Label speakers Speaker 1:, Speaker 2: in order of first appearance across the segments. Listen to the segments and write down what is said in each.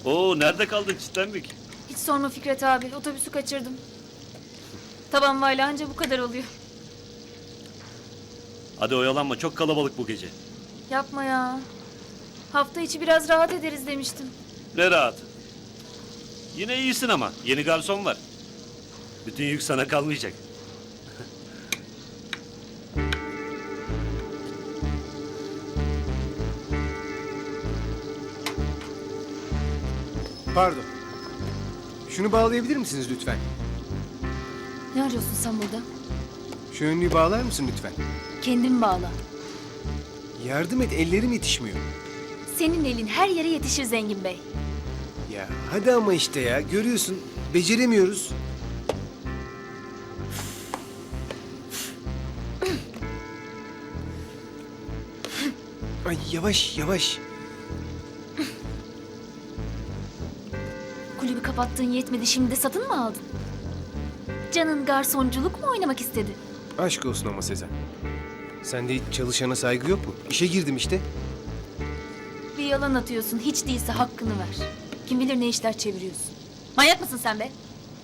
Speaker 1: Oo, nerede kaldın çitlendik?
Speaker 2: Hiç sorma Fikret abi. Otobüsü kaçırdım. Taban vayla anca bu kadar oluyor.
Speaker 1: Hadi oyalanma, çok kalabalık bu gece.
Speaker 2: Yapma ya. Hafta içi biraz rahat ederiz demiştim.
Speaker 1: Ne rahat. Yine iyisin ama yeni garson var. Bütün yük sana kalmayacak.
Speaker 3: Pardon. Şunu bağlayabilir misiniz lütfen?
Speaker 2: Ne arıyorsun sen burada?
Speaker 3: Şu önlüğü bağlar mısın lütfen?
Speaker 2: Kendin bağla.
Speaker 3: Yardım et, ellerim yetişmiyor.
Speaker 2: Senin elin her yere yetişir Zengin Bey.
Speaker 3: Ya hadi ama işte ya, görüyorsun. Beceremiyoruz. Ay yavaş yavaş.
Speaker 2: Kulübü kapattığın yetmedi, şimdi de satın mı aldın? Canın garsonculuk mu oynamak istedi?
Speaker 3: Aşk olsun ama Sezen. Sende hiç çalışana saygı yok mu? İşe girdim işte.
Speaker 2: Bir yalan atıyorsun, hiç değilse hakkını ver. Kim bilir ne işler çeviriyorsun. Manyak mısın sen be?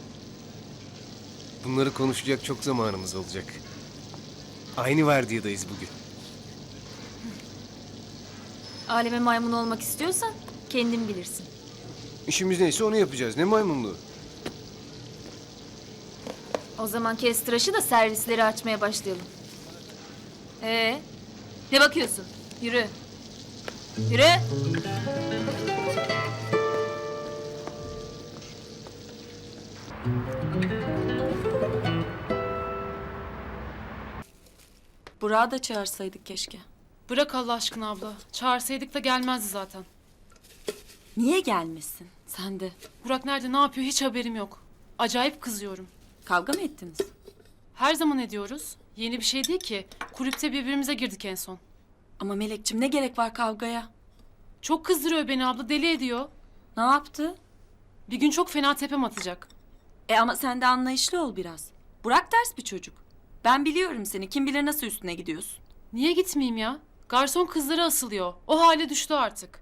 Speaker 3: Bunları konuşacak çok zamanımız olacak. Aynı vardiyadayız bugün.
Speaker 2: Aleme maymun olmak istiyorsan kendin bilirsin.
Speaker 3: İşimiz neyse onu yapacağız. Ne maymunluğu?
Speaker 2: O zaman kes tıraşı da servisleri açmaya başlayalım. Ne bakıyorsun? Yürü. Yürü.
Speaker 4: Burak'ı da çağırsaydık keşke.
Speaker 5: Bırak Allah aşkına abla. Çağırsaydık da gelmezdi zaten.
Speaker 4: Niye gelmesin? Sen de.
Speaker 5: Burak nerede, ne yapıyor hiç haberim yok. Acayip kızıyorum.
Speaker 4: Kavga mı ettiniz?
Speaker 5: Her zaman ediyoruz. Yeni bir şey değil ki. Kulüpte birbirimize girdik en son.
Speaker 4: Ama Melekçim ne gerek var kavgaya?
Speaker 5: Çok kızdırıyor beni abla, deli ediyor.
Speaker 4: Ne yaptı?
Speaker 5: Bir gün çok fena tepem atacak.
Speaker 4: Ama sen de anlayışlı ol biraz. Burak ters bir çocuk. Ben biliyorum seni. Kim bilir nasıl üstüne gidiyorsun.
Speaker 5: Niye gitmeyeyim ya? Garson kızlara asılıyor. O hale düştü artık.